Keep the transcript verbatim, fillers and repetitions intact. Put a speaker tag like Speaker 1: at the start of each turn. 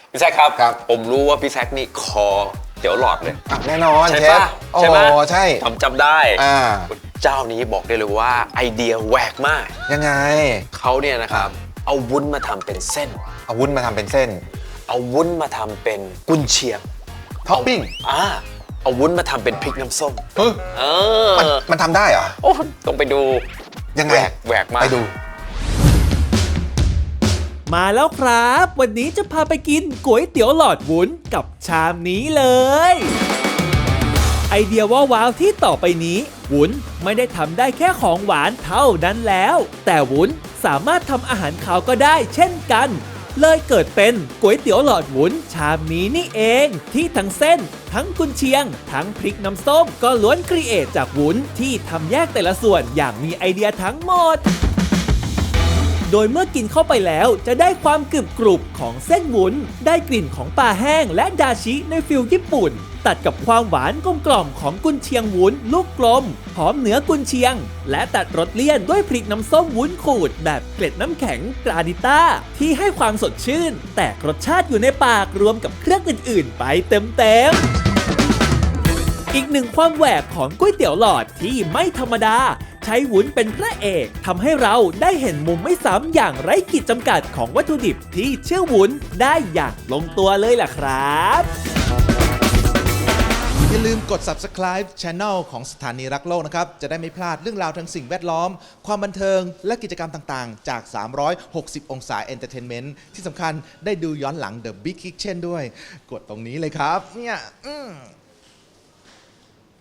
Speaker 1: พี่แซคครับ
Speaker 2: ครับ
Speaker 1: ผมรู้ว่าพี่แซคนี่คอเดี๋ยวหลอดเลย
Speaker 2: อ่ะแน่นอน
Speaker 1: ใช่
Speaker 2: เชฟ
Speaker 1: ปะ
Speaker 2: โอ้
Speaker 1: ใช่
Speaker 2: โห
Speaker 1: ปะ
Speaker 2: ใช่
Speaker 1: ผมจำได้
Speaker 2: อ่า
Speaker 1: เจ้านี้บอกได้เลยว่าไอเดียแหวกมาก
Speaker 2: ยังไง
Speaker 1: เขาเนี่ยนะครับเอาวุ้นมาทำเป็นเส้น
Speaker 2: เอาวุ้นมาทำเป็นเส้น
Speaker 1: เอาวุ้นมาทำเป็นกุนเชียง
Speaker 2: ท็อปปิ้ง
Speaker 1: อ่าเอาวุ้นมาทำเป็นพริกน้ำส้ม
Speaker 2: เฮ้ย
Speaker 1: เอ
Speaker 2: มัน
Speaker 1: อ
Speaker 2: มันทำได้เหรอ
Speaker 1: โอ้ต้องไปดู
Speaker 2: ยังไง
Speaker 1: แหวกแหวกมาก
Speaker 2: ไปดู
Speaker 3: มาแล้วครับ วันนี้จะพาไปกินก๋วยเตี๋ยวหลอดวุ้นกับชามนี้เลย ไอเดียว่าว้าวที่ต่อไปนี้ วุ้นไม่ได้ทำได้แค่ของหวานเท่านั้นแล้ว แต่วุ้นสามารถทำอาหารขาวก็ได้เช่นกัน เลยเกิดเป็นก๋วยเตี๋ยวหลอดวุ้นชามนี้นี่เอง ที่ทั้งเส้น ทั้งกุนเชียง ทั้งพริกน้ำส้ม ก็ล้วนครีเอทจากวุ้นที่ทำแยกแต่ละส่วนอย่างมีไอเดียทั้งหมด โดยเมื่อกินเข้าไปแล้วจะได้ความกรึบกรุบของเส้นวุ้น ได้กลิ่นของปลาแห้งและดาชิในฟิลญี่ปุ่น ตัดกับความหวานกลมกล่อมของกุนเชียงวุ้นลูกกลม หอมเหนือกุนเชียง และตัดรสเลี่ยนด้วยพริกน้ำส้มวุ้นขูดแบบเกล็ดน้ำแข็งกราดิต้าที่ให้ความสดชื่น แตกรสชาติอยู่ในปากรวมกับเครื่องอื่นๆ ไปเต็มๆ อีกหนึ่งความแหวกของก๋วยเตี๋ยวหลอดที่ไม่ธรรมดา ใช้วุ้นเป็นพระเอกทำให้เราได้เห็นมุมไม่ซ้ำอย่างไร้ขีดจำกัดของวัตถุดิบที่ชื่อวุ้นได้อย่างลงตัวเลยล่ะครับ
Speaker 4: อย่าลืมกด Subscribe Channel ของสถานีรักโลกนะครับ จะได้ไม่พลาดเรื่องราวทางสิ่งแวดล้อม ความบันเทิงและกิจกรรมต่างๆ จาก สามร้อยหกสิบ องศา Entertainment ที่สำคัญได้ดูย้อนหลัง The Big Kitchen ด้วย กดตรงนี้เลยครับ เนี่ยอืม